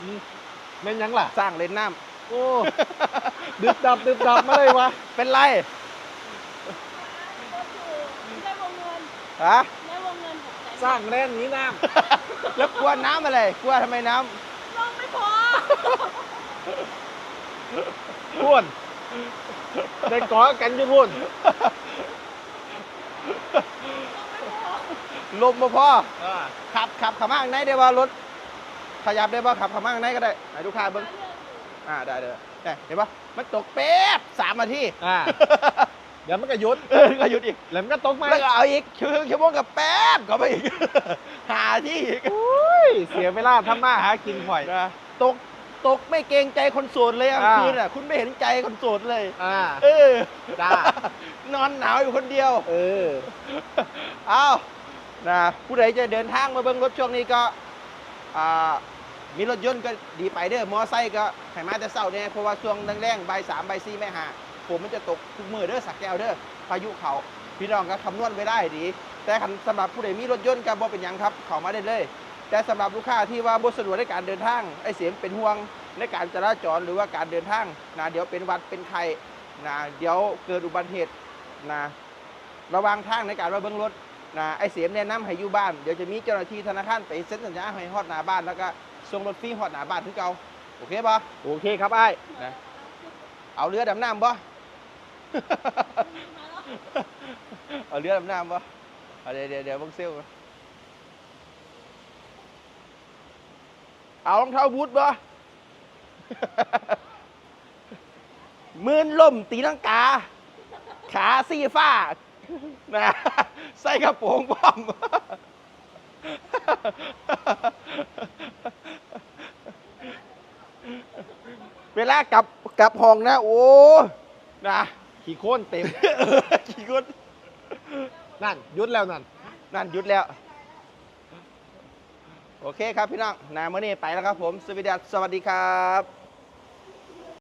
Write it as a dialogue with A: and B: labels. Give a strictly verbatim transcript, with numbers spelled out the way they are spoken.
A: แม่นยังล่ะ
B: สร้างเลนน้
A: ำโอ้ดึบดับดึบดับมาเลยวะ
B: ำเป็นไร
C: ได้วงเงิน
B: ฮะ
C: ได้วงเงินหกแสน
A: สร้างแรงนี้น้
B: แล้วกลัวน้ำอะไรกลัวทำไมน้
C: ลงไม่พอ
A: ำพูนได้กอกันอยู่พูน
B: ำลมมาพอ
A: อ่า
B: ขับขับขับมาข้างในได้ว่ารถขยับได้ป่ะขับขับมาข้างในก็ได้ไหนลูกค้าเบิ้งอ่าได้เลยเนี่ยเห็นป่ะมันตกเป๊บสามนาที
A: อ่าเดี๋ยวมันก็หยุด
B: เออก็หยุดอีก
A: แล้วมันก็ตกไหม
B: แล้วก็เอาอีกชั่วโมงชั่วโมงกับแป๊บก็ไปอีก หาที่อีก
A: โอ้ยเสียเวลาทำมาหากินข่อย
B: นะตกตกไม่เกรงใจคนโสดเลยกลาง
A: อ่า
B: คืนอ่ะคุณไม่เห็นใจคนโสดเลย
A: อ่า
B: เออ
A: จ้า
B: นอนหนาวอยู่คนเดียว
A: เออ
B: เอานะผู้ใดจะเดินทางมาเบิ้งรถช่วงนี้ก็อ่ามีรถยนต์ก็ดีไปเด้อมอไซค์ก็ให้มาแต่เศร้าเนี่ยเพราะว่าช่วงแรงๆบ่ายสามบ่ายสี่ไม่หาผมมันจะตกทุกมือเด้อสักแก้วเด้อพายุเขาพี่น้องก็คำนวณไว้ได้ดี แต่คันสำหรับผู้ใดมีรถยนต์ก็บ่เป็นหยังครับเข้ามาได้เลย แต่สำหรับลูกค้าที่ว่าบ่สะดวกในการเดินทางไอ้เสียงเป็นห่วงในการจราจรหรือว่าการเดินทางนะเดี๋ยวเป็นหวัดเป็นไข้นะเดี๋ยวเกิดอุบัติเหตุนะระวังทางในการมาเบิ้งรถนะไอ้เสียมแนะนำให้อยู่บ้านเดี๋ยวจะมีเจ้าหน้าที่ธนาคารไปเซ็นสัญญาให้ฮอดหน้าบ้านแล้วก็ส่งรถฟรีฮอดหน้าบ้านคือเก่าโอเคป่ะ
A: โอเคครับไอ้
B: นะเอาเรือดำน้ำป่ะ เอาเรือดำน้ำป่ะเอาเดี๋ยวเดี๋ยวเดี๋ยวเบังเซลก่อนเอารองเท้าบูทป่ะ มืนล่มตีลังกา ขาสีฟ้านะใส่กระโปรงป้อม เวลากลับกลับห้องนะโอ้นะ
A: ขี่โค้นเต็ม
B: กี่คน
A: นั่นหยุดแล้วนั่น
B: นั่นหยุดแล้ว โอเคครับพี่น้องนาเมื่อนี้ไปแล้วครับผม สวัสดีครับ